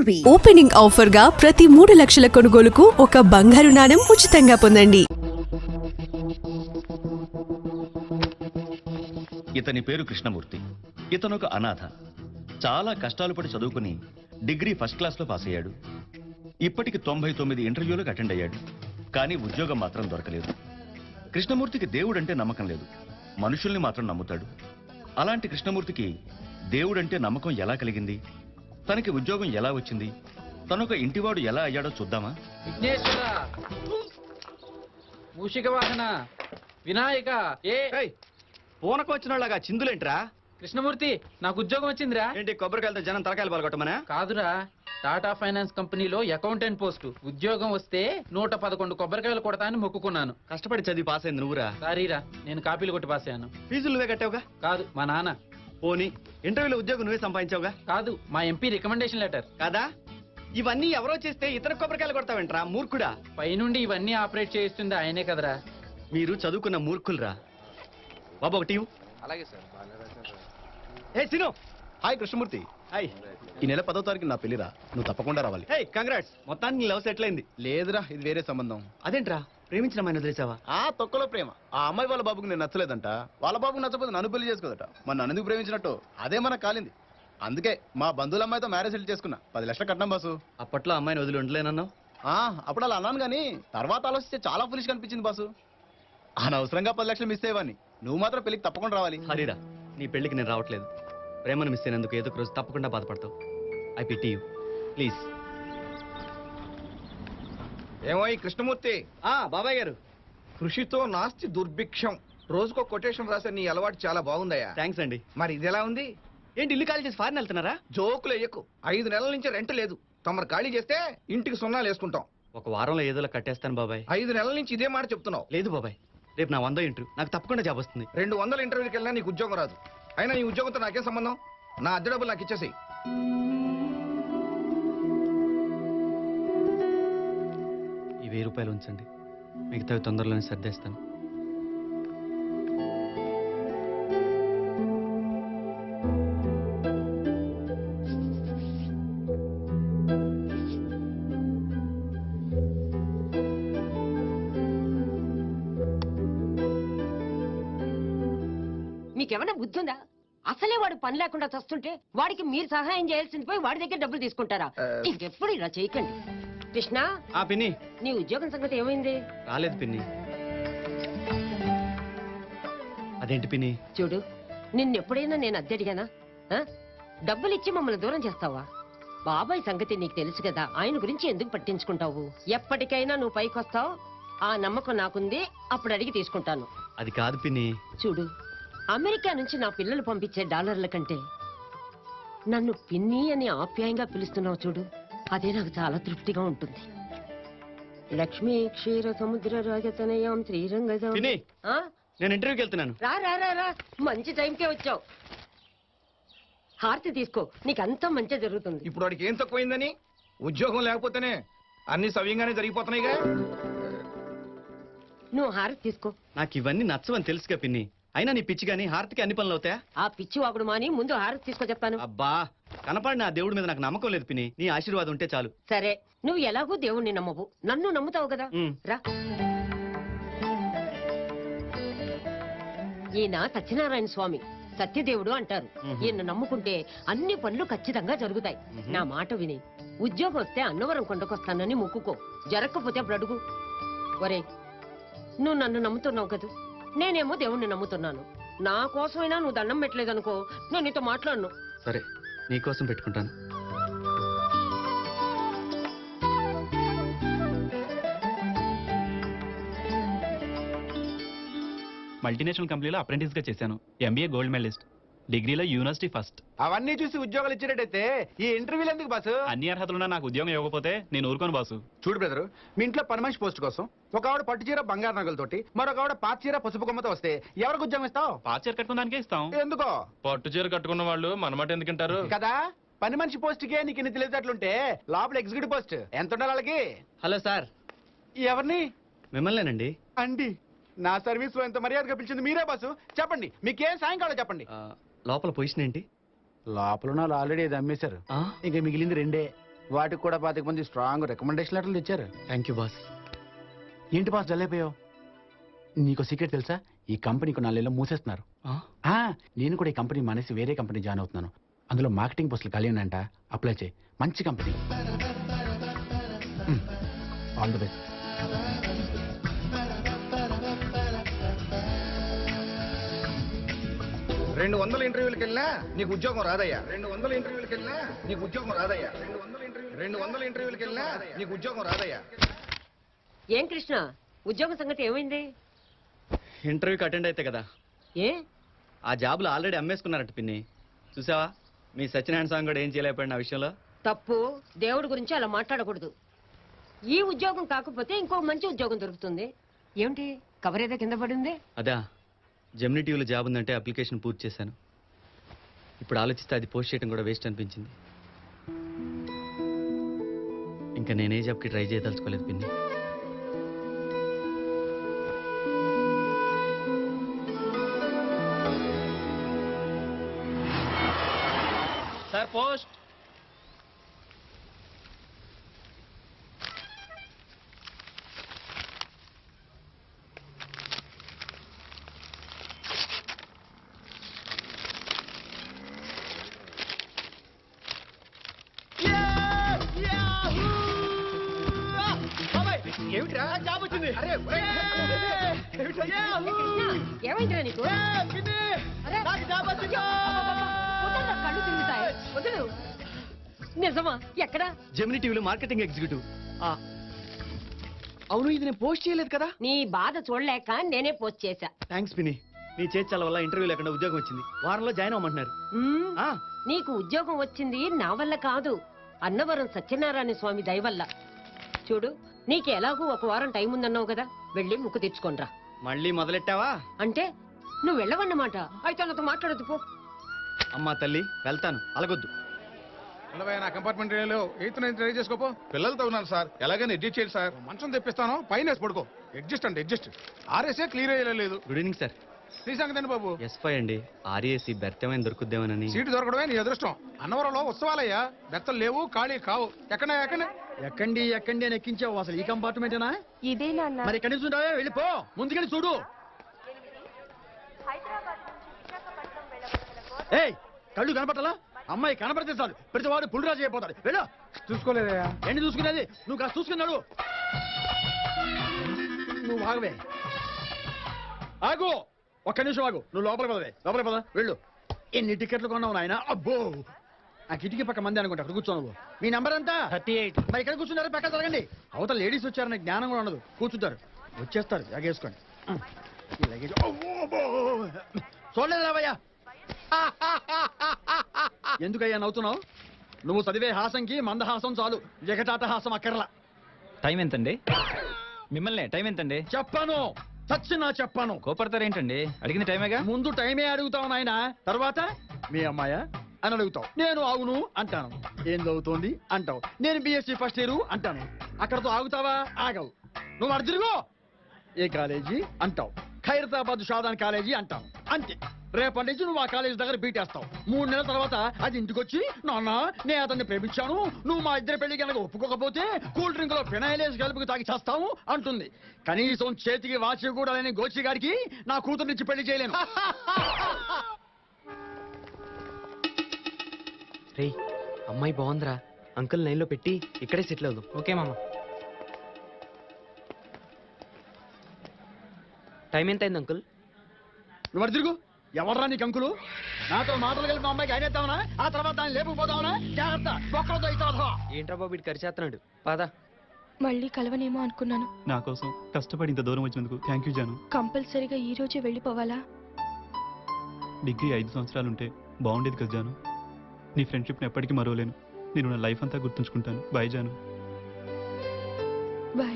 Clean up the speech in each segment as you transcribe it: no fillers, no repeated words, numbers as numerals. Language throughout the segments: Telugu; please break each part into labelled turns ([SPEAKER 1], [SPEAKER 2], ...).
[SPEAKER 1] Jewelry. ఓపెనింగ్ ఆఫర్ గా ప్రతి 3 లక్షల కొనుగోలుకు ఒక బంగారు నాణెం ఉచితంగా పొందండి.
[SPEAKER 2] ఇతని పేరు కృష్ణమూర్తి. ఇతను ఒక అనాథ. చాలా కష్టాలు పడి చదువుకుని డిగ్రీ ఫస్ట్ క్లాస్లో పాస్ అయ్యాడు. ఇప్పటికి 99 ఇంటర్వ్యూలకు అటెండ్ అయ్యాడు. కానీ ఉద్యోగం మాత్రం దొరకలేదు. కృష్ణమూర్తికి దేవుడంటే నమ్మకం లేదు, మనుషుల్ని మాత్రం నమ్ముతాడు. అలాంటి కృష్ణమూర్తికి దేవుడంటే నమ్మకం ఎలా కలిగింది, తనకి ఉద్యోగం ఎలా వచ్చింది, తనొక ఇంటివాడు ఎలా అయ్యాడో చూద్దామా?
[SPEAKER 3] విఘ్నేశ్వర, మూషిక వాహన, వినాయక,
[SPEAKER 2] పూనకు వచ్చిన వాళ్ళగా చిందులేంట్రా?
[SPEAKER 3] కృష్ణమూర్తి, నాకు ఉద్యోగం వచ్చిందిరా.
[SPEAKER 2] ఏంటి కొబ్బరికాయలతో జనం తలకాయలు పాల్గొట్టమనా?
[SPEAKER 3] కాదురా, టాటా ఫైనాన్స్ కంపెనీలో అకౌంటెంట్ పోస్టు ఉద్యోగం వస్తే 111 కొబ్బరికాయలు కొడతా అని మొక్కుకున్నాను.
[SPEAKER 2] కష్టపడి చదివి పాస్ అయింది నువ్వురా?
[SPEAKER 3] సారీరా, నేను కాపీలు కొట్టి పాస్ అయ్యాను.
[SPEAKER 2] ఫీజులు నువ్వే కట్టావుగా?
[SPEAKER 3] కాదు, మా నాన్న.
[SPEAKER 2] పోనీ ఇంటర్వ్యూలో ఉద్యోగం నువ్వే సంపాదించావుగా?
[SPEAKER 3] కాదు, మా ఎంపీ రికమెండేషన్ లెటర్.
[SPEAKER 2] కాదా? ఇవన్నీ ఎవరో చేస్తే ఇతర కొబ్బరికాయలు కొడతావేంట్రా మూర్ఖుడా?
[SPEAKER 3] పైనుండి ఇవన్నీ ఆపరేట్ చేయిస్తుంది ఆయనే కదరా.
[SPEAKER 2] మీరు చదువుకున్న మూర్ఖులరా. బాబు ఒక టీవు.
[SPEAKER 4] అలాగే సార్.
[SPEAKER 2] ఏ సిను.
[SPEAKER 5] హాయ్ కృష్ణమూర్తి.
[SPEAKER 2] హాయ్.
[SPEAKER 5] ఈ నెల 10వ తారీఖు నా పెళ్లిరా, నువ్వు తప్పకుండా రావాలి.
[SPEAKER 2] హే కంగ్రాట్స్, మొత్తానికి నీ లవ్ సెటిల్ అయింది.
[SPEAKER 5] లేదురా, ఇది వేరే సంబంధం.
[SPEAKER 2] అదేంట్రా, ప్రేమించిన అమ్మాయిని వదిలేసావా?
[SPEAKER 5] ఆ తొక్కలో ప్రేమ. ఆ అమ్మాయి వాళ్ళ బాబుకు నేను నచ్చలేదంట, వాళ్ళ బాబుకు నచ్చకపోతే నన్ను పెళ్లి చేసుకోదట. మన నన్ను ఎందుకు ప్రేమించినట్టు అదే మనకు కాలింది. అందుకే మా బంధువుల అమ్మాయితో మ్యారేజ్ సెటిల్ చేసుకున్నా. 10 లక్షలు కట్నం బాసు.
[SPEAKER 2] అప్పట్లో అమ్మాయిని వదిలి ఉండలేనన్నావు.
[SPEAKER 5] అప్పుడు అలా అన్నాను కానీ తర్వాత ఆలోచిస్తే చాలా ఫులిష్ కనిపించింది బాసు. అనవసరంగా 10 లక్షలు మిస్ అయ్యేవాడిని. నువ్వు మాత్రం పెళ్లికి తప్పకుండా రావాలి.
[SPEAKER 2] హరిరా, నీ పెళ్లికి నేను రావట్లేదు. ప్రేమను మిస్ అయినందుకు ఏదో ఒక రోజు తప్పకుండా బాధపడతావు. I pity you. ప్లీజ్.
[SPEAKER 4] ఏమో ఈ కృష్ణమూర్తి,
[SPEAKER 2] బాబాయ్ గారు.
[SPEAKER 4] కృషితో నాస్తి దుర్భిక్షం. రోజుకో కొటేషన్ రాసే నీ అలవాటు చాలా బాగుందయ్యా.
[SPEAKER 2] థ్యాంక్స్ అండి.
[SPEAKER 4] మరి ఇది ఎలా ఉంది?
[SPEAKER 2] ఏంటి ఇల్లు ఖాళీ చేసి ఫారిన్ వెళ్తున్నారా?
[SPEAKER 4] జోకులు ఎయ్యకు. 5 నెలల నుంచి రెంట్ లేదు. తమరు ఖాళీ చేస్తే ఇంటికి సున్నాలు వేసుకుంటాం.
[SPEAKER 2] ఒక వారంలో ఏదోలా కట్టేస్తాను బాబాయ్.
[SPEAKER 4] 5 నెలల నుంచి ఇదే మాట చెప్తున్నావు.
[SPEAKER 2] లేదు బాబాయ్, రేపు నా 100 ఇంటర్వ్యూ, నాకు తప్పకుండా జాబ్ వస్తుంది.
[SPEAKER 4] 200 ఇంటర్వ్యూకి వెళ్ళినా నీకు ఉద్యోగం రాదు. అయినా నీ ఉద్యోగంతో నాకేం సంబంధం? నా అద్దె డబ్బులు నాకు ఇచ్చేసేయి.
[SPEAKER 2] ఈ 1000 రూపాయలు ఉంచండి, మిగతావి తొందరలోనే సర్దేస్తాను.
[SPEAKER 6] మీకేమైనా బుద్ధి ఉందా? అసలే వాడు పని లేకుండా చస్తుంటే వాడికి మీరు సహాయం చేయాల్సింది పోయి వాడి దగ్గర డబ్బులు తీసుకుంటారా? ఇంకెప్పుడు ఇలా చేయకండి. కృష్ణ,
[SPEAKER 2] పిన్ని,
[SPEAKER 6] నీ ఉద్యోగం సంగతి ఏమైంది?
[SPEAKER 2] రాలేదు పిన్ని. అదేంటి పిన్ని?
[SPEAKER 6] చూడు, నిన్నెప్పుడైనా నేను అద్దె అడిగానా? డబ్బులు ఇచ్చి మమ్మల్ని దూరం చేస్తావా? బాబాయ్ సంగతి నీకు తెలుసు కదా, ఆయన గురించి ఎందుకు పట్టించుకుంటావు? ఎప్పటికైనా నువ్వు పైకి వస్తావు, ఆ నమ్మకం నాకుంది. అప్పుడు అడిగి తీసుకుంటాను.
[SPEAKER 2] అది కాదు పిన్ని.
[SPEAKER 6] చూడు, అమెరికా నుంచి నా పిల్లలు పంపించే డాలర్ల కంటే నన్ను పిన్ని అని ఆప్యాయంగా పిలుస్తున్నావు చూడు, అదే నాకు చాలా తృప్తిగా ఉంటుంది. లక్ష్మీ క్షీర సముద్ర రాజతనయాం శ్రీరంగ.
[SPEAKER 2] పిన్ని, నేను ఇంటర్వ్యూకి వెళ్తున్నాను.
[SPEAKER 6] రా రా రా రా, మంచి టైంకే వచ్చావు. హారతి తీసుకో, నీకంతా మంచి జరుగుతుంది.
[SPEAKER 4] ఇప్పుడు వాడికి ఏం తక్కువైందని? ఉద్యోగం లేకపోతేనే అన్ని సవ్యంగానే జరిగిపోతున్నాయిగా.
[SPEAKER 6] నువ్వు హారతి తీసుకో.
[SPEAKER 2] నాకు ఇవన్నీ నచ్చవని తెలుసుగా పిన్ని. అయినా నీ పిచ్చి గానీ హారతికి అన్ని పనులు అవుతాయా?
[SPEAKER 6] ఆ పిచ్చి వాగుడు మాని ముందు హారతి తీసుకో చెప్తాను.
[SPEAKER 2] అబ్బా, కనపడిన ఆ దేవుడి మీద నాకు నమ్మకం లేదు పిన్ని. నీ ఆశీర్వాదం ఉంటే చాలు.
[SPEAKER 6] సరే, నువ్వు ఎలాగూ దేవుణ్ణి నమ్మవు, నన్ను నమ్ముతావు కదా. రా. ఈయన సత్యనారాయణ స్వామి, సత్యదేవుడు అంటారు. ఈయన నమ్ముకుంటే అన్ని పనులు ఖచ్చితంగా జరుగుతాయి. నా మాట విని ఉద్యోగం వస్తే అన్నవరం కొండకొస్తానని మొక్కుకో. జరగకపోతే అప్పుడు అడుగు. ఒరే, నువ్వు నన్ను నమ్ముతున్నావు కదా, నేనేమో దేవుణ్ణి నమ్ముతున్నాను. నా కోసమైనా నువ్వు దండం పెట్టలేదనుకో, నేను నీతో మాట్లాడను.
[SPEAKER 2] సరే, నీకోసం పెట్టుకుంటాను.
[SPEAKER 7] మల్టీనేషనల్ కంపెనీలో అప్రెంటిస్ గా చేశాను. ఎంబీఏ గోల్డ్ మెడలిస్ట్, డిగ్రీలో యూనివర్సిటీ ఫస్ట్.
[SPEAKER 4] అవన్నీ చూసి ఉద్యోగాలు ఇచ్చేటట్టయితే ఈ ఇంటర్వ్యూలు ఎందుకు బాసు?
[SPEAKER 7] అన్ని అర్హతలున్నా నాకు ఉద్యోగం ఇవ్వకపోతే నేను ఊరుకోను బాసు.
[SPEAKER 4] చూడు బ్రదరు, మీ ఇంట్లో పని మనిషి పోస్ట్ కోసం ఒక ఆవిడ పట్టు చీర బంగారు నగలతోటి, మరొక ఆవిడ పాత చీర పసుపు కొమ్మతో వస్తే ఎవరికి ఉద్యోగం ఇస్తావు?
[SPEAKER 7] పాత చీర కట్టుకోవడానికే ఇస్తాం.
[SPEAKER 4] ఎందుకో?
[SPEAKER 8] పట్టు చీర కట్టుకున్న వాళ్ళు మనమాట ఎందుకంటారు
[SPEAKER 4] కదా. పని మనిషి పోస్ట్ కే నీకు ఇన్ని తెలియదట్లుంటే లోపల ఎగ్జిక్యూటివ్ పోస్ట్ ఎంత ఉండాలి వాళ్ళకి?
[SPEAKER 2] Hello sir.
[SPEAKER 4] ఎవరిని?
[SPEAKER 2] మిమ్మల్నేనండి.
[SPEAKER 4] అండి, నా సర్వీస్ లో ఎంత మర్యాదగా పిలిచింది మీరే బాసు. చెప్పండి, మీకేం సాయం కావాలో చెప్పండి.
[SPEAKER 2] లోపల పొజిషన్ ఏంటి?
[SPEAKER 4] లోపల ఆల్రెడీ అది అమ్మేశారు. ఇంకా మిగిలింది 2. వాటికి కూడా 25 మంది స్ట్రాంగ్ రికమెండేషన్ లెటర్లు ఇచ్చారు.
[SPEAKER 9] Thank you boss.
[SPEAKER 4] ఏంటి బాస్ జల్లైపోయావు? నీకు సీక్రెట్ తెలుసా? ఈ కంపెనీకి 4 నెలలు మూసేస్తున్నారు. నేను కూడా ఈ కంపెనీ మానేసి వేరే కంపెనీ జాయిన్ అవుతున్నాను. అందులో మార్కెటింగ్ పోస్టులు ఖాళీ ఉన్నాయంట. అప్లై చేయి. మంచి కంపెనీ. All the best.
[SPEAKER 5] 200 ఇంటర్వ్యూలకు వెళ్ళినా నీకు ఉద్యోగం రాదయ్యా. 200 ఇంటర్వ్యూలకు వెళ్ళినా నీకు ఉద్యోగం రాదయ్యా. 200 ఇంటర్వ్యూలకు వెళ్ళినా నీకు ఉద్యోగం రాదయ్యా.
[SPEAKER 6] ఏం కృష్ణ, ఉద్యోగం సంగతి ఏమైంది?
[SPEAKER 9] ఇంటర్వ్యూకి అటెండ్ అయితే కదా,
[SPEAKER 6] ఏ
[SPEAKER 9] ఆ జాబ్లో ఆల్రెడీ అమ్మేసుకున్నారట పిన్ని. చూసావా మీ సత్యనారాయణ స్వామి కూడా ఏం చేయలేకపోయిన ఆ విషయంలో.
[SPEAKER 6] తప్పు. దేవుడి గురించి అలా మాట్లాడకూడదు. ఈ ఉద్యోగం కాకపోతే ఇంకో మంచి ఉద్యోగం దొరుకుతుంది. ఏమిటి కవర్ ఏదో కింద పడింది?
[SPEAKER 9] అదా, జెమినీ టీవీలో జాబ్ ఉందంటే అప్లికేషన్ పూర్తి చేశాను. ఇప్పుడు ఆలోచిస్తే అది పోస్ట్ చేయడం కూడా వేస్ట్ అనిపించింది. ఇంకా నేనే జాబ్కి ట్రై చేయదలుచుకోలేదు పిన్ని. Sir post.
[SPEAKER 5] ఏమిట్రా జాబ్ వచ్చింది? అరే
[SPEAKER 6] కృష్ణ, ఏమైందిరా నీకు? అరే, వదలరా, కళ్ళు తిరుగుతాయి. వదలు. నిజమా? ఎక్కడా?
[SPEAKER 9] జెమినీ టీవీలో మార్కెటింగ్ ఎగ్జిక్యూటివ్. అవును, ఇది నేను పోస్ట్ చేయలేదు కదా.
[SPEAKER 6] నీ బాధ చూడలేక నేనే పోస్ట్ చేశా.
[SPEAKER 9] థ్యాంక్స్ పిన్ని. నీ చేర్చాల వల్ల ఇంటర్వ్యూ లేకుండా ఉద్యోగం వచ్చింది. వారంలో జాయిన్ అవ్వమంటున్నారు.
[SPEAKER 6] మ్మ్. నీకు ఉద్యోగం వచ్చింది నా వల్ల కాదు, అన్నవరం సత్యనారాయణ స్వామి దయ వల్ల. చూడు, నీకు ఎలాగూ 1 వారం టైం ఉందన్నావు కదా, వెళ్ళి ముక్కు తెచ్చుకోనరా.
[SPEAKER 9] మళ్ళీ మొదలెట్టావా?
[SPEAKER 6] అంటే నువ్వు వెళ్ళవన్నమాట. అయితే నాతో మాట్లాడదు పో.
[SPEAKER 9] అమ్మా తల్లి, వెళ్తాను, అలగొద్దు.
[SPEAKER 4] నా కంపార్ట్మెంట్ ట్రై చేసుకోపో.
[SPEAKER 5] పిల్లలతో ఉన్నాను సార్, ఎలాగైనా అడ్జస్ట్ చేయండి సార్.
[SPEAKER 4] మంచం తెప్పిస్తాను, పైన వేసి పడుకో. అడ్జస్ట్ అంటే అడ్జస్ట్. ఆర్ఎస్ఏ క్లియర్ అయ్యలేదు.
[SPEAKER 9] Good evening sir.
[SPEAKER 4] నీ సంగతి బాబు.
[SPEAKER 9] ఎస్5 అండి. ఆర్ఏసీ బెర్త్ ఏమైనా దొరుకుద్దేమోనని.
[SPEAKER 4] సీటు దొరకడమే నీ అదృష్టం. అన్నవరంలో ఉత్సవాలయ్యా, బెత్తలు లేవు, ఖాళీ కావు. ఎక్కడే ఎక్కండి అని ఎక్కించావు. అసలు ఈ కంపార్ట్మెంటేనా?
[SPEAKER 1] ఇదే నాన్న.
[SPEAKER 4] మరి ఎక్కడి నుంచి ఉంటావే, వెళ్ళిపో. ముందుకెళ్ళి చూడు. ఏయ్, కళ్ళు కనపట్టాలా? అమ్మాయి కనపడితే చాలు ప్రతి వాడు పుల్లిరాజు అయిపోతాడు. వెళ్ళు. చూసుకోలేదయా? ఏంటి చూసుకునేది? నువ్వు కాస్త చూసుకున్నాడు. నువ్వు ఆగవే. ఆగు, ఒక్క నిమిషం ఆగు. నువ్వు లోపలికి పద. వెళ్ళు. ఎన్ని టికెట్లు కొన్నావు నాయన? అబ్బో, ఆ కిటికీ పక్క మంది అనుకుంటా. అక్కడ కూర్చో నువ్వు. మీ నంబర్ ఎంత?
[SPEAKER 9] 38.
[SPEAKER 4] మరి ఇక్కడ కూర్చున్నారా? పక్క జరగండి. అవతల లేడీస్ వచ్చారని జ్ఞానం కూడా ఉండదు. కూర్చుంటారు, వచ్చేస్తారు. జాగేసుకోండి. చూడలేదు రావయ్యా. ఎందుకయ్యా నవ్వుతున్నావు? నువ్వు చదివే హాసంకి మందహాసం చాలు, జగటాట హాసం అక్కర్లా.
[SPEAKER 7] టైం ఎంతండి? మిమ్మల్ని టైం ఎంతండి?
[SPEAKER 4] చెప్పాను, చచ్చినా చెప్పాను.
[SPEAKER 7] కోపడతారేంటండి? అడిగిన టైమేగా.
[SPEAKER 4] ముందు టైమే అడుగుతావు నాయన, తర్వాత మీ అమ్మాయా అని అడుగుతావు. నేను అవును అంటాను. ఏం చదువుతోంది అంటావు. నేను బిఎస్సీ ఫస్ట్ ఇయర్ అంటాను. అక్కడతో ఆగుతావా? ఆగవు. నువ్వు అర్జునుగో ఏ కాలేజీ అంటావు. ఖైరతాబాద్ షాదాన్ కాలేజీ అంటావు. అంతే. రేపటి నుంచి నువ్వు ఆ కాలేజీ దగ్గర బీటేస్తావు. 3 నెలల తర్వాత అది ఇంటికొచ్చి, నాన్న నేను అతన్ని ప్రేమించాను, నువ్వు మా ఇద్దరి పెళ్లి కనుక ఒప్పుకోకపోతే కూల్ డ్రింక్ లో ఫినాయిలేసి కలుపుకు తాగి చేస్తావు అంటుంది. కనీసం చేతికి వాచి కూడా లేని గోచి గారికి నా కూతురునిచ్చి పెళ్లి చేయలేను.
[SPEAKER 9] రే, అమ్మాయి బాగుందిరా. అంకుల్ లైన్లో పెట్టి ఇక్కడే సెటిల్ అవుదాం.
[SPEAKER 7] ఓకే మామ.
[SPEAKER 9] టైం ఎంత అయింది అంకుల్?
[SPEAKER 4] నువ్వు అటు తిరుగు. ఎవర్రా నీకు అంకులు? నాతో మాటలు కలిపి మా అమ్మాయికి అయినేద్దామనా? ఆ తర్వాత దాన్ని లేపుకుపోదామనా? జాగ్రత్త, ఒక్కరితో ఇస్తావా?
[SPEAKER 9] ఏంట్రా బాబు ఇటు ఖర్చేస్తున్నాడు. పాదా.
[SPEAKER 1] మళ్ళీ కలవనేమో అనుకున్నాను.
[SPEAKER 7] నా కోసం కష్టపడి ఇంత దూరం వచ్చినందుకు థ్యాంక్ యూ జాను.
[SPEAKER 1] కంపల్సరీగా ఈ రోజే వెళ్ళిపోవాలా?
[SPEAKER 7] డిగ్రీ 5 సంవత్సరాలుంటే బాగుండేది కదా జాను. నీ ఫ్రెండ్షిప్ని ఎప్పటికీ మరవలేను. నేను నా లైఫ్ అంతా గుర్తుంచుకుంటాను. బాయ్ జాను.
[SPEAKER 1] బాయ్.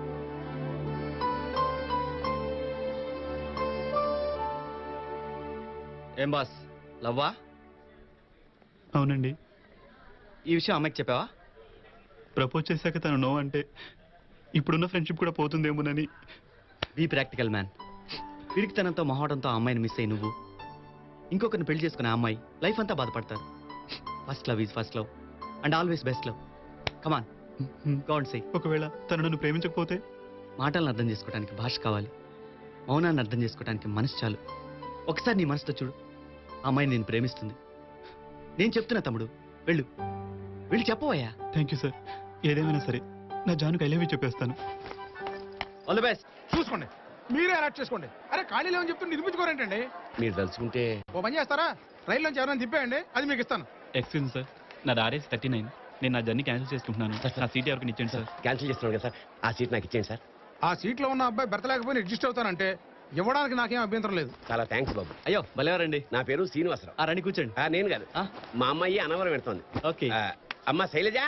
[SPEAKER 9] ఏం బాస్, లవ్వా?
[SPEAKER 7] అవునండి.
[SPEAKER 9] ఈ విషయం అమ్మాయికి చెప్పావా?
[SPEAKER 7] ప్రపోజ్ చేశాక తను నో అంటే ఇప్పుడున్న ఫ్రెండ్షిప్ కూడా పోతుందేమోనని.
[SPEAKER 9] Be practical man. పిరికితనంతో మొహటంతో ఆ అమ్మాయిని మిస్ అయ్యి నువ్వు ఇంకొకరిని పెళ్లి చేసుకునే ఆ అమ్మాయి లైఫ్ అంతా బాధపడతారు. First love is first love and always best love. Come on go and say.
[SPEAKER 7] ఒకవేళ తను నన్ను ప్రేమించకపోతే?
[SPEAKER 9] మాటలను అర్థం చేసుకోవడానికి భాష కావాలి, మౌనాన్ని అర్థం చేసుకోవడానికి మనసు చాలు. ఒకసారి నీ మనసుతో చూడు, ఆ అమ్మాయిని నేను ప్రేమిస్తుంది. నేను చెప్తున్నా తమ్ముడు, వెళ్ళు వెళ్ళి చెప్పవయ్యా.
[SPEAKER 7] Thank you sir. ఏదేమైనా సరే నా జానుకి ఐ లవ్ యూ చెప్పేస్తాను.
[SPEAKER 9] All the best.
[SPEAKER 10] చూసుకోండి, మీరే అలర్ట్ చేసుకోండి. అరే ఖాళీ లేవని చెప్తే నిర్మించుకోరేంటండి?
[SPEAKER 5] మీరు తలుచుకుంటే
[SPEAKER 10] ఓ పని చేస్తారా, రైల్లోంచి ఎవరైనా తిప్పేయండి, అది మీకు ఇస్తాను.
[SPEAKER 7] ఎక్స్క్యూజ్ మీ సార్, నా RS 39. నేను నా జర్నీ క్యాన్సిల్ చేసుకుంటున్నాను. నా సీట్ ఎవరికి ఇచ్చేయండి సార్.
[SPEAKER 5] క్యాన్సిల్ చేస్తున్నాను కదా సార్, ఆ సీట్ నాకు ఇచ్చేయండి సార్.
[SPEAKER 10] ఆ సీట్లో ఉన్న అబ్బాయి బెర్త లేకపోయినా అడ్జస్ట్ అవుతానంటే ఇవ్వడానికి నాకేం అభ్యంతరం లేదు.
[SPEAKER 5] చాలా థ్యాంక్స్ బాబు.
[SPEAKER 9] అయ్యో భలేవారండి.
[SPEAKER 5] నా పేరు శ్రీనివాసరావు.
[SPEAKER 9] ఆ రండి కూర్చోండి.
[SPEAKER 5] నేను కాదు,
[SPEAKER 9] ఆ,
[SPEAKER 5] మా అమ్మాయి అనవరం పెడుతోంది.
[SPEAKER 9] ఓకే.
[SPEAKER 5] అమ్మ శైలజ,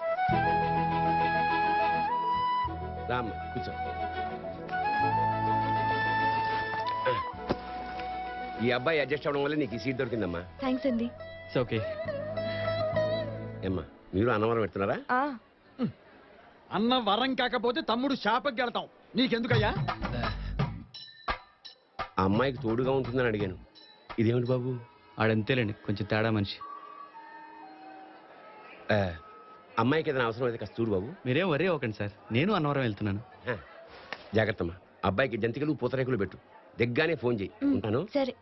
[SPEAKER 5] రామ్మ కూర్చో. ఈ అబ్బాయి అడ్జస్ట్ అవడం వల్ల నీకు ఈ సీట్ దొరికిందమ్మా.
[SPEAKER 1] థ్యాంక్స్ అండి.
[SPEAKER 9] It's okay.
[SPEAKER 5] ఏమ్మా మీరు అనవరం పెడుతున్నారా?
[SPEAKER 4] అన్న వరం కాకపోతే తమ్ముడు శాపకి వెళ్తాం. నీకెందుకయ్యా?
[SPEAKER 5] ఆ అమ్మాయికి తోడుగా ఉంటుందని అడిగాను. ఇదేమిటి బాబు?
[SPEAKER 9] ఆడంతేలేండి, కొంచెం తేడా మనిషి.
[SPEAKER 5] అమ్మాయికి ఏదైనా అవసరం అయితే కాస్త చూడు బాబు.
[SPEAKER 9] మీరేం వరే అవ్వకండి సార్, నేను అన్నవరం వెళ్తున్నాను.
[SPEAKER 5] జాగ్రత్తమ్మా. అబ్బాయికి జంతికలు పూతరేకులు పెట్టు. దిగ్గానే ఫోన్ చేయి. ఉంటాను.
[SPEAKER 1] సరే.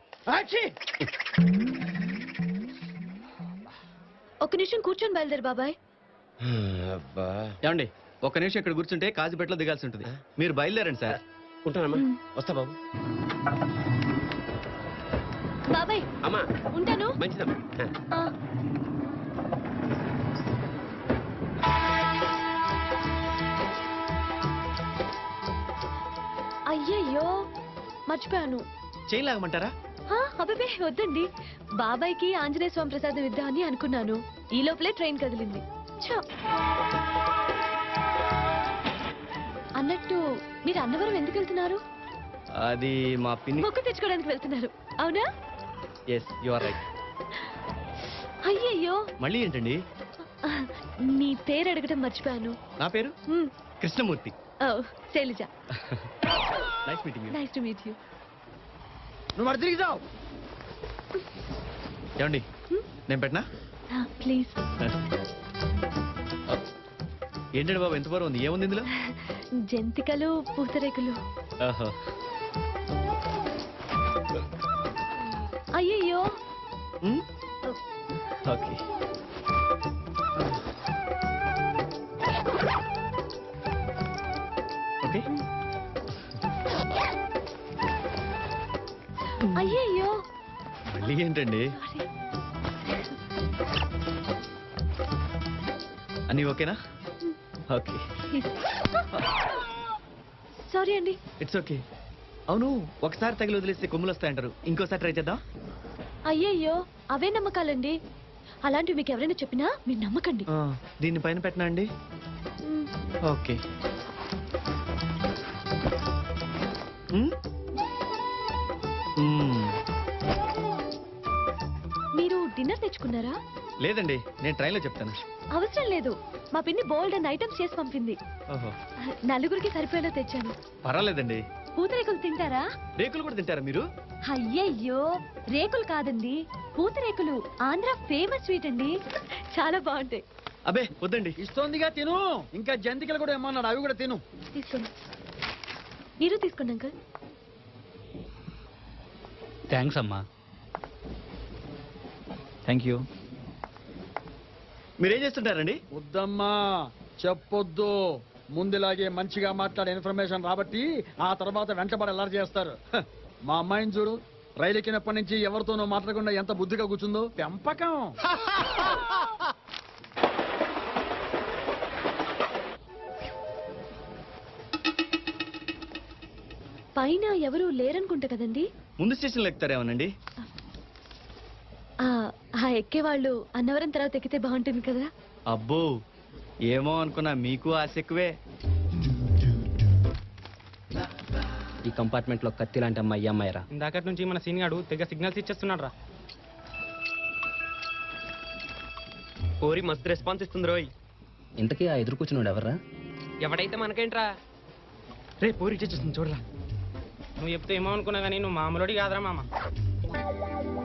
[SPEAKER 1] ఒక నిమిషం కూర్చొని బయలుదేరు బాబాయ్.
[SPEAKER 5] అబ్బా,
[SPEAKER 9] ఏమండి ఒక్క నిమిషం ఇక్కడ కూర్చుంటే కాజుపేటలో దిగాల్సి ఉంటుంది. మీరు బయలుదేరండి సార్.
[SPEAKER 5] ఉంటానమ్మా. వస్తా బాబు.
[SPEAKER 1] బాబాయ్
[SPEAKER 5] అమ్మా
[SPEAKER 1] ఉంటాను.
[SPEAKER 5] మంచిదమ్మా.
[SPEAKER 1] ఆ. అయ్యయ్యో మర్చిపోయాను.
[SPEAKER 9] చేయి లాగమంటారా?
[SPEAKER 1] అబ్బే వద్దండి, బాబాయ్కి ఆంజనేయ స్వామి ప్రసాదం ఇద్దామని అనుకున్నాను. ఈ లోపలే ట్రైన్ కదిలింది. ఛ! అన్నట్టు మీరు అన్నవరం ఎందుకు వెళ్తున్నారు?
[SPEAKER 9] అది మా పిన్ని.
[SPEAKER 1] మొక్కు తెచ్చుకోవడానికి వెళ్తున్నారు అవునా?
[SPEAKER 9] Yes you are right.
[SPEAKER 1] అయ్యయ్యో
[SPEAKER 9] మళ్ళీ ఏంటండి?
[SPEAKER 1] మీ పేరు అడగడం మర్చిపోయాను.
[SPEAKER 9] నా పేరు
[SPEAKER 1] మ్,
[SPEAKER 9] కృష్ణమూర్తి.
[SPEAKER 1] ఓ, Shailaja.
[SPEAKER 9] Nice meeting you.
[SPEAKER 1] Nice to meet you.
[SPEAKER 4] నువ్వు మరి తిరిగి చావు.
[SPEAKER 9] ఏమండి నేను పెట్టనా?
[SPEAKER 1] ప్లీజ్.
[SPEAKER 9] ఏంటండి బాబు ఎంత బరువు ఉంది? ఏముంది ఇందులో?
[SPEAKER 1] జంతికలు పూతరేకులు.
[SPEAKER 9] ఓహో.
[SPEAKER 1] అయ్యయ్యో.
[SPEAKER 9] ఓకే. ఓకే.
[SPEAKER 1] అయ్యయ్యో.
[SPEAKER 9] మళ్ళీ ఏంటండి? అన్నీ ఓకేనా? ఓకే.
[SPEAKER 1] సారీ అండి.
[SPEAKER 9] It's okay. అవును, ఒకసారి తగిలి వదిలేస్తే కొమ్ములు వస్తాయంటారు, ఇంకోసారి ట్రై చేద్దాం.
[SPEAKER 1] అయ్యయ్యో అవే నమ్మకాలండి. అలాంటివి మీకు ఎవరైనా చెప్పినా మీరు నమ్మకండి.
[SPEAKER 9] దీన్ని పైన పెట్టనా అండి?
[SPEAKER 1] మ్,
[SPEAKER 9] ఓకే.
[SPEAKER 1] మీరు డిన్నర్ తెచ్చుకున్నారా?
[SPEAKER 9] లేదండి, నేను ట్రైన్లో చెప్తాను.
[SPEAKER 1] అవసరం లేదు, మా పిన్ని బోల్డ్ అండ్ ఐటమ్స్ చేసి పంపింది.
[SPEAKER 9] ఓహో.
[SPEAKER 1] నలుగురికి సరిపోయేలా తెచ్చాను.
[SPEAKER 9] పర్వాలేదండి.
[SPEAKER 1] పూతరేకులు తింటారా?
[SPEAKER 9] రేకులు కూడా తింటారా మీరు?
[SPEAKER 1] అయ్యయ్యో రేకులు కాదండి, పూతరేకులు. ఆంధ్ర ఫేమస్ స్వీట్ అండి, చాలా బాగుంటాయి.
[SPEAKER 9] అబే వద్దండి.
[SPEAKER 4] ఇస్తోందిగా తిను. ఇంకా జంతికలు కూడా ఏమన్నాడు, అవి కూడా తిను.
[SPEAKER 1] తీసుకోండి. మీరు తీసుకోండి అంకుల్.
[SPEAKER 7] థ్యాంక్స్ అమ్మా. Thank you.
[SPEAKER 9] మీరేం చేస్తుంటారండి?
[SPEAKER 4] వద్దమ్మా చెప్పొద్దు. ముందులాగే మంచిగా మాట్లాడే ఇన్ఫర్మేషన్ రాబట్టి ఆ తర్వాత వెంటబడి ఎలా చేస్తారు. హ, మా అమ్మాయిని చూడు, రైలు ఎక్కినప్పటి నుంచి ఎవరితోనో మాట్లాడకుండా ఎంత బుద్ధిగా కూర్చుందో. పెంపకం.
[SPEAKER 1] పైన ఎవరు లేరనుకుంటా కదండి.
[SPEAKER 9] ముందు స్టేషన్లో ఎక్కుతారేమోనండి.
[SPEAKER 1] ఆ ఎక్కేవాళ్ళు అన్నవరం తర్వాత ఎక్కితే బాగుంటుంది కదా.
[SPEAKER 9] అబ్బో ఏమో అనుకున్నా, మీకు ఆశ ఎక్కువే.
[SPEAKER 3] ఈ కంపార్ట్మెంట్ లో కత్తి లాంటి అమ్మాయి అమ్మాయిరా.
[SPEAKER 8] ఇందాకటి నుంచి మన సీన్ గాడు తెగ సిగ్నల్స్ ఇచ్చేస్తున్నాడు రా.
[SPEAKER 9] కోరి మస్తు రెస్పాన్స్ ఇస్తుంది రోయ్.
[SPEAKER 3] ఇంతకీ ఆ ఎదురు కూర్చున్నాడు ఎవర్రా?
[SPEAKER 8] ఎవడైతే మనకేంట్రా?
[SPEAKER 9] రే పోరి ఇచ్చేస్తుంది చూడరా.
[SPEAKER 8] నువ్వు చెప్తే ఏమో అనుకున్నా కానీ నువ్వు మామూలుడి కాదురా మామ.